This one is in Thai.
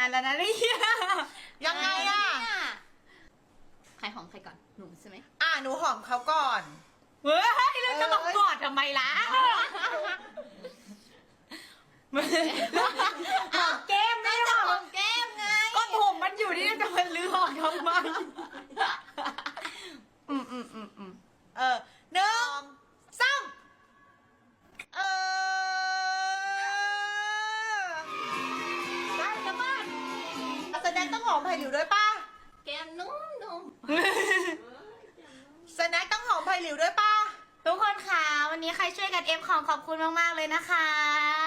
านแล้วนะเนี่ยยังไงอ่ะใครหอมใครก่อนหนูใช่ไหมหนูหอมเขาก่อนเฮ้ยแล้วจะมากอดทำไมล่ะหอมแก้มไม่หหออมมแก้มไงก็ผมมันอยู่นี่จะมาลื้อออกทำไมหนึ่งสองเออได้แล้วป่ะแสดงต้องหอมไผ่หลิวด้วยป่ะแก้มนุ่มแสดงต้องหอมไผ่หลิวด้วยป่ะทุกคนค่ะวันนี้ใครช่วยกันเอฟของขอบคุณมากๆเลยนะคะ